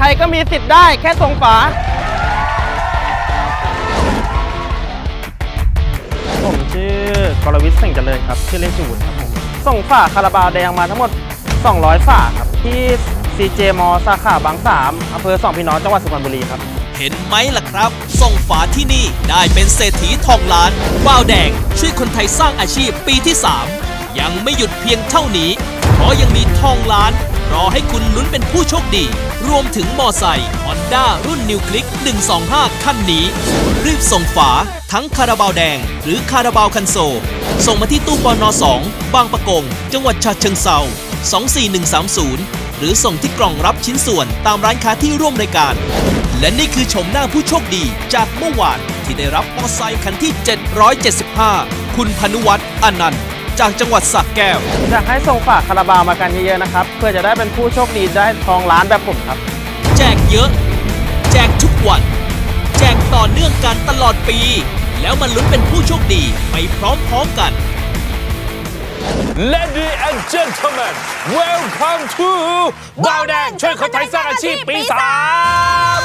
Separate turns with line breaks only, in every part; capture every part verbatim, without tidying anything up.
ก็มีสิทธิ์ได้แค่ส่งฝาผมชื่อกรวิทย์เส่งเจริญครับชื่อเล่นชื่อวุฒิครับผมส่งฝาคาราบาวแดงมาทั้งหมดสองร้อยฝาครับที่ ซี เจ มอ สาขาบางสามอำเภอสองพี่น้องจังหวัดสุพรรณบุรีครับ
เห็นไหมล่ะครับส่งฝาที่นี่ได้เป็นเศรษฐีทองล้านว้าวแดงช่วยคนไทยสร้างอาชีพปีที่สามยังไม่หยุดเพียงเท่านี้เพราะยังมีทองล้านรอให้คุณลุ้นเป็นผู้โชคดีรวมถึงมอไซค์ Honda รุ่น New Click หนึ่งสองห้าคันนี้รีบส่งฝาทั้งคาราบาวแดงหรือคาราบาวคันโซลส่งมาที่ตู้ปนสองบางปะกงจังหวัดฉะเชิงเทราสองสี่หนึ่งสามศูนย์หรือส่งที่กล่องรับชิ้นส่วนตามร้านค้าที่ร่วมรายการและนี่คือชมหน้าผู้โชคดีจากเมื่อวานที่ได้รับมอไซค์คันที่เจ็ดร้อยเจ็ดสิบห้าคุณพนุวัฒน์อนันต์จากจังหวัดสระแก้ว
อยากให้ส่งฝาคาราบาวมากันเยอะๆนะครับเพื่อจะได้เป็นผู้โชคดีได้ทองล้านแบบผมครับ
แจกเยอะแจกทุกวันแจกต่อเนื่องกันตลอดปีแล้วมาลุ้นเป็นผู้โชคดีไปพร้อมๆกัน
Ladies and gentlemen welcome to ว้าวแดงช่วยคนไทยสร้างอาชีพปีสาม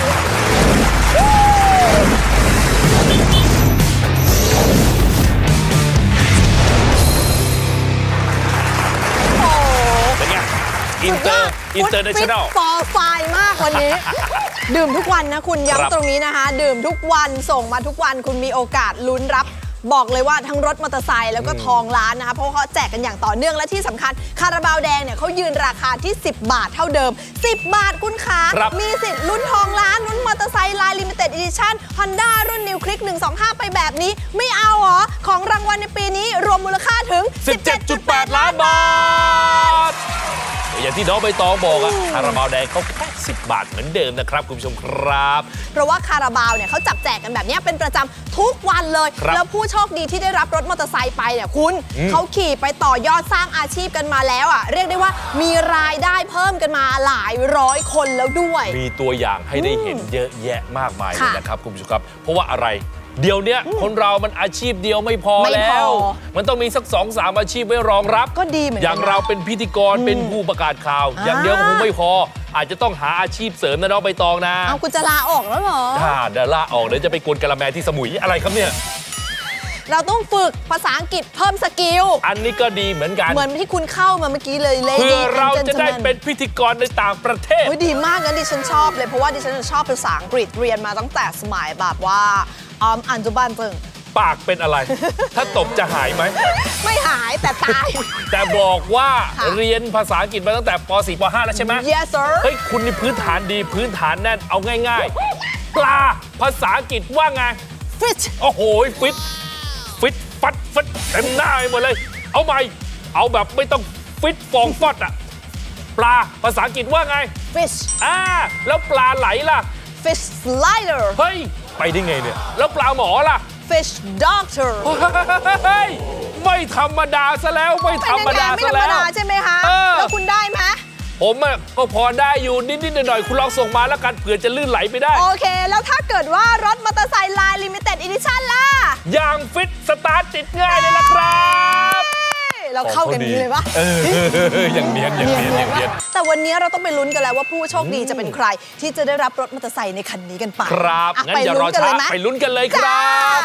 เป็นไงอินเตอร์อินเตอร์เนชั่นแนล
ฟอร์ไฟมากวันนี้ ดื่มทุกวันนะคุณย้ำตรงนี้นะคะดื่มทุกวันส่งมาทุกวันคุณมีโอกาสลุ้นรับบอกเลยว่าทั้งรถมอเตอร์ไซค์แล้วก็ทองล้านนะคะเพราะเขาแจกกันอย่างต่อเนื่องและที่สำคัญคาราบาวแดงเนี่ยเขายืนราคาที่สิบบาทเท่าเดิมสิบบาทคุณขามีสิทธิ์ลุ้นทองล้านลุ้นมอเตอร์ไซค์ลายลิมิเต็ดอีดิชั่น Honda รุ่น New Click หนึ่งสองห้าไปแบบนี้ไม่เอาเหรอของรางวัลในปีนี้รวมมูลค่าถึง
สิบเจ็ดจุดแปด ล้านบาทอย่างที่น้องใบตองบอกอะคาราบาวแดงเขาแค่สิบบาทเหมือนเดิมนะครับคุณผู้ชมครับ
เพราะว่าคาราบาวเนี่ยเขาจับแจกกันแบบนี้เป็นประจำทุกวันเลยแล้วผู้โชคดีที่ได้รับรถมอเตอร์ไซค์ไปเนี่ยคุณเขาขี่ไปต่อยอดสร้างอาชีพกันมาแล้วอ่ะเรียกได้ว่ามีรายได้เพิ่มกันมาหลายร้อยคนแล้วด้วย
มีตัวอย่างให้ได้เห็นเยอะแยะมากมายเลยนะครับคุณผู้ชมครับเพราะว่าอะไรเดี๋ยวนี้คนเรามันอาชีพเดียวไม่พอแล้วมันต้องมีสักสองสามอาชีพไว้รองรับ
ก็ดีเหมือนกัน
อย่างเราเป็นพิธีกรเป็นผู้ประกาศข่าวอย่างเดียวคงไม่พออาจจะต้องหาอาชีพเสริมนะน้องใบตองนะ
เอาคุณจะลาออกแล้วเหรอ
ถ้าเดี๋ยวลาออกเดี๋ยวจะไปกวนกะละแมที่สมุยอะไรครับเนี่ย
เราต้องฝึกภาษาอังกฤษเพิ่มสกิล
อันนี้ก็ดีเหมือนกัน
เหมือนที่คุณเข้ามาเมื่อกี้เลยเลย
เพื่อเราจะได้เป็นพิธีกรในต่างประเทศ
ดีมากงั้นดิฉันชอบเลยเพราะว่าดิฉันชอบภาษาอังกฤษเรียนมาตั้งแต่สมัยแบบว่าออนุบาลเพิ่ง
ปากเป็นอะไร ถ้าตบจะหายไหม
ไม่หายแต่ตาย
แต่บอกว่าเรียนภาษาอังกฤษมาตั้งแต่ป สี่ ป ห้า แล้วใช่ไหม
Yes sir
เฮ้ยคุณนี่พื้นฐานดีพื้นฐานแน่นเอาง่ายๆปลาภาษาอังกฤษว่าไง
Fish
โอ้โหฟิตฟิตฟัดฟัดเต็มหน้าไปหมดเลยเอาใหม่เอาแบบไม่ต้องฟิตฟองฟอดอะปลาภาษาอังกฤษว่าไง
Fish
อ่าแล้วปลาไหลล่ะ
Fish slider
เฮ้ยไปได้ไงเนี่ยแล้วปลาหมอล่ะ
Fish doctor
เฮ้ยไม่ธรรมดาซะแล้วไม่ธรรมดาซะแล้ว
ไม่ธรรมดาใช่ไหมคะแล้วคุณได้ไหม
ผมอ่ะก็พอได้อยู่นิดๆหน่อยๆคุณลองส่งมาแล้วกันเผื่อจะลื่นไหลไปได้
โอเคแล้วถ้าเกิดว่ารถมอเตอร์ไซค์ลายลิมิเต็ดอีดิชั่นล่ะ
อย่างฟิตสตาร์ทติดง่ายเลยล่ะครับ
เราเข้ากันนี้เลยปะ
เอออย่างเนียนอย่างเนียนอย่างเนียน
แต่วันนี้เราต้องไปลุ้นกันแล้วว่าผู้โชคดีจะเป็นใครที่จะได้รับรถมอเตอร์ไซค์ในคันนี้กันไป
ครับงั้นอย่ารอช้าไปลุ้นกันเลยครับ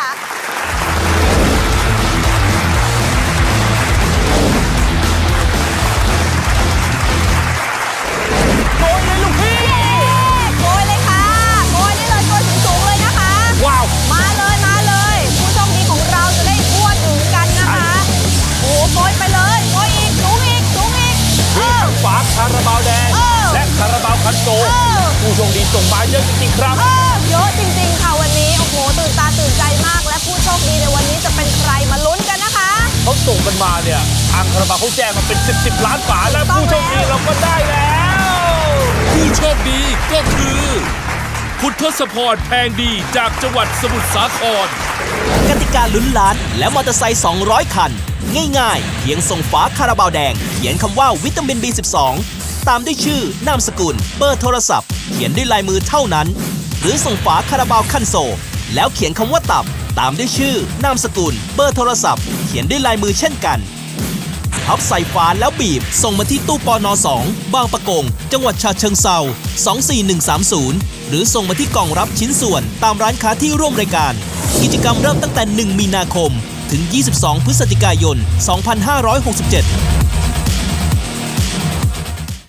โกยเลยลูกพี่
โกยเลยค่ะโกยได้เลยโกยสูงๆเลยนะคะ
ว้าว
มาเลยมาเลยผู้โชคดีของเราจะได้ทั่วถึงกันนะคะโอ้โกยไปเลยโกยอีกสูงอีกสูงอีก
มีทั้งฝาคาราบาวแดงและคาราบาวคันโซลผู้โชคดีส่งมาเยอะจริงๆครับ
เยอะจริงๆค่ะวันนี้โอ้โหตื่นตาตื่นใจมากและผู้โชคดีในวันนี้จะเป็นใครมาลุ้นกันนะคะ
เขาส่งกันมาเนี่ยทางคาราบาวเขาแจ้งมาเป็นสิบสิบล้านฝาแล้วผู้โชคดีเราก็ได้แล้วผู้โชคดีก็คือคุณทศพรแพงดีจากจังหวัดสมุทรสาคร
กติกาลุ้นล้านและมอเตอร์ไซค์สองร้อยคันง่ายๆเพียงส่งฝาคาราบาวแดงเขียนคำว่าวิตามิน บี สิบสอง ตามด้วยชื่อนามสกุลเบอร์โทรศัพท์เขียนด้วยลายมือเท่านั้นหรือส่งฝาคาราบาวคันโซลแล้วเขียนคำว่าตับตามด้วยชื่อนามสกุลเบอร์โทรศัพท์เขียนด้วยลายมือเช่นกันหพับใส่ฝาแล้วบีบส่งมาที่ตู้ปนสองบางปะกงจังหวัดฉะเชิงเทราสองสี่หนึ่งสามศูนย์หรือส่งมาที่กล่องรับชิ้นส่วนตามร้านค้าที่ร่วมรายการกิจกรรมเริ่มตั้งแต่หนึ่งมีนาคมถึงยี่สิบสองพฤศจิกายนสองพันห้าร้อยหกสิบเจ็ด